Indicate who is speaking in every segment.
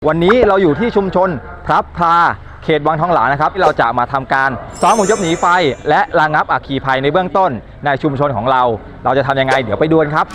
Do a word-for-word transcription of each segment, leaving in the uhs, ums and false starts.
Speaker 1: วันนี้เราอยู่ที่ชุมชนพลับพลาเขตวังทองหลางนะครับที่เราจะมาทำการซ้อมอพยพหนีไฟและระงับอัคคีภัยในเบื้องต้นในชุมชนของเราเราจะทำยังไงเดี๋ยวไปดูกันครับ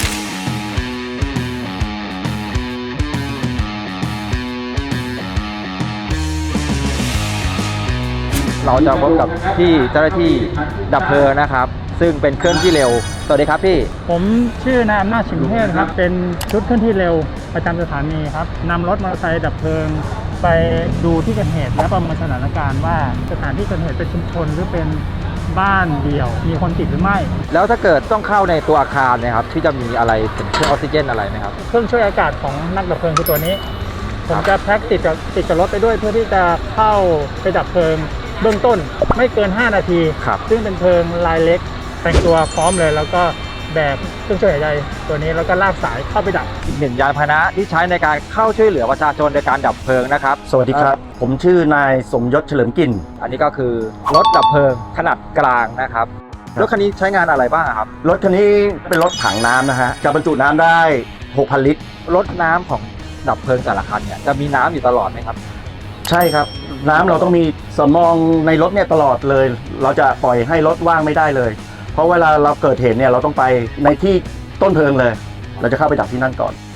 Speaker 1: เราจะพบกับพี่เจ้าหน้าที่ดับเพลิงนะครับซึ่งเป็นเคลื่อนที่เร็วสวัสดีครับพี่
Speaker 2: ผมชื่อนายอำนาจชิมเทพครับเป็นชุดเคลื่อนที่เร็วประจำสถานีครับนำรถมอเตอร์ไซค์ดับเพลิงไปดูที่เกิดเหตุและประเมินสถานการณ์ว่าสถานที่เกิดเหตุเป็นชุมชนหรือเป็นบ้านเดี่ยวมีคนติดหรือไม่
Speaker 1: แล้วถ้าเกิดต้องเข้าในตัวอาคารนะครับที่จะมีอะไรเป็นเครื่องออกซิเจนอะไรไหมครับ
Speaker 2: เครื่องช่วยอากาศของนักดับเพลิงคือตัวนี้ผมจะแพ็คติดกับติดกับรถไปด้วยเพื่อที่จะเข้าไปดับเพลิงเบื้องต้นไม่เกินห้านาทีซึ่งเป็นเพลิงรายเล็กแต่งตัวพร้อมเลยแล้วก็แบกเครื่องช่วยหายใจตัวนี้แล้วก็ลากสายเข้าไปดับ
Speaker 1: อีกหนึ่งยานพาหนะที่ใช้ในการเข้าช่วยเหลือประชาชนในการดับเพลิงนะครับ
Speaker 3: สวัสดีครับผมชื่อนายสมยศเฉลิมกลิ่น
Speaker 1: อันนี้ก็คือรถดับเพลิงขนาดกลางนะครับรถคันนี้ใช้งานอะไรบ้างครับ
Speaker 3: รถคันนี้เป็นรถถังน้ำนะฮะจะบรรจุน้ำได้ หกพัน ลิตร
Speaker 1: รถน้ำของดับเพลิงแต่ละคันเนี่ยจะมีน้ำอยู่ตลอดไหมครับ
Speaker 3: ใช่ครับน้ำเราต้องมีสำรองในรถเนี่ยตลอดเลยเราจะปล่อยให้รถว่างไม่ได้เลยเพราะเวลาเราเกิดเหตุเนี่ยเราต้องไปในที่ต้นเพลิงเลยเราจะเข้าไปดับที่นั่นก่อน